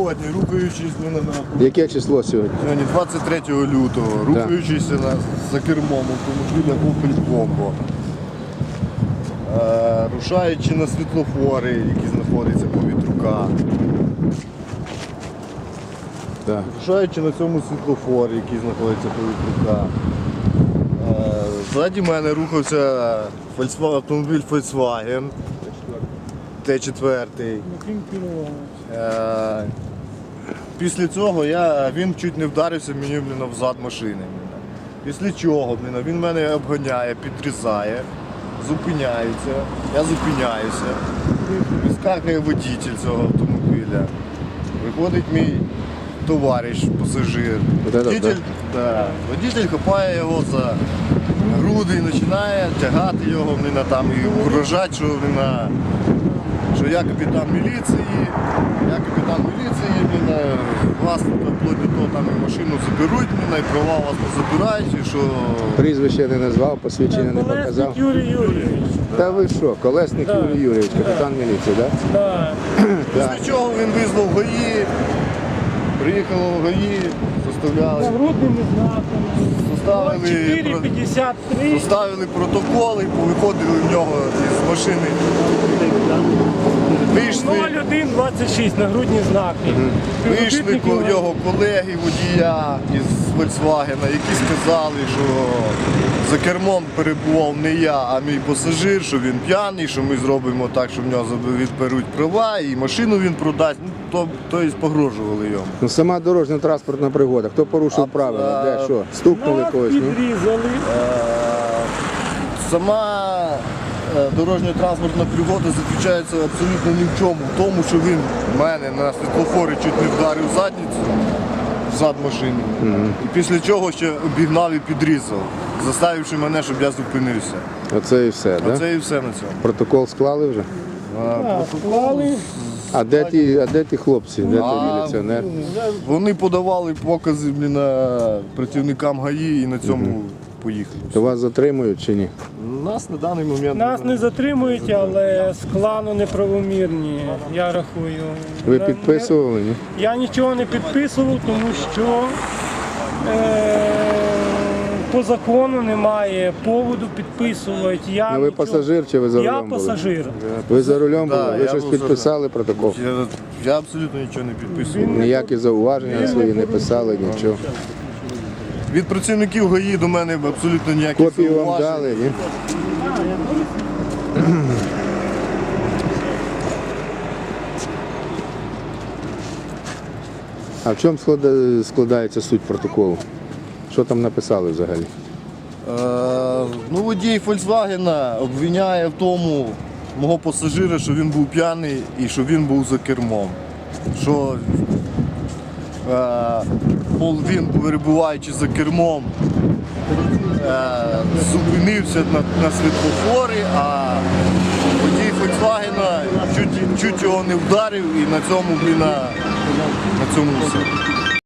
сьогодні, рухаючись Яке число сьогодні? сьогодні 23 лютого, рухаючись за кермом автомобіля Opel Combo, рушаючи на світлофори, які знаходяться по Вітрука. Так. Рушаючи на цьому світлофорі, який знаходиться по Вітрука. Ззаді мене рухався автомобіль Volkswagen Т4. Після цього він чуть не вдарився мені взад машини. Після чого він мене обганяє, підрізає, зупиняється, я зупиняюся. Вискакує водитель цього автомобіля. Виходить мій товариш, пасажир. Водитель хапає його за груди і починає тягати його, і угрожати, що я капітан міліції, вас вплоть до того і машину заберуть, і права вас не забирають, і що... Прізвище не назвав, посвідчення не показав. Колесник Юрій Юрійович. Та ви що, Колесник Юрій Юрійович, капітан міліції, так? Так. Після чого він визвав ГАІ, приїхало в ГАІ, заставляли... Нагрудними знаками. Составили протоколи, повиходили в нього із машини. Вийшли 0126 нагрудні знаки. Вийшли його колеги, водія із Volkswagen, які сказали, що за кермом перебував не я, а мій пасажир, що він п'яний, що ми зробимо так, що в нього відберуть права і машину він продасть. Тобто погрожували йому. Сама дорожньо-транспортна пригода. Хто порушив правила? Де що? Стукнули когось? Підрізали. Сама дорожньо-транспортна пригода заключається абсолютно ні в чому. В тому, що він мене на світлофорі чуть не вдарив задницю, зад машини. І після чого ще обігнав і підрізав, заставивши мене, щоб я зупинився. Оце і все, так? Оце і все на цьому. Протокол склали вже? Склали. А де ті хлопці? Де той міліціонер? Вони подавали покази працівникам ГАІ і на цьому поїхали. То вас затримують чи ні? Нас на даний момент... Нас не затримують, але склано неправомірні, я рахую. Ви підписували, ні? Я нічого не підписував, тому що по закону немає поводу підписувати. Ну ви пасажир чи ви за Я рулем були? пасажир. Ви за рулем були? Да, Ви я щось був за підписали протокол? Я абсолютно нічого не підписував. Ніякі зауваження свої не писали, нічого. Від працівників ГАІ до мене абсолютно ніяких Копію вам зауважень. дали, ні? А в чому складається суть протоколу? Що там написали взагалі? Водій Volkswagen обвиняє в тому мого пасажира, що він був п'яний і що він був за кермом. Що він, перебуваючи за кермом, зупинився на світлофорі, а водій Volkswagen чуть його не вдарив і на цьому все.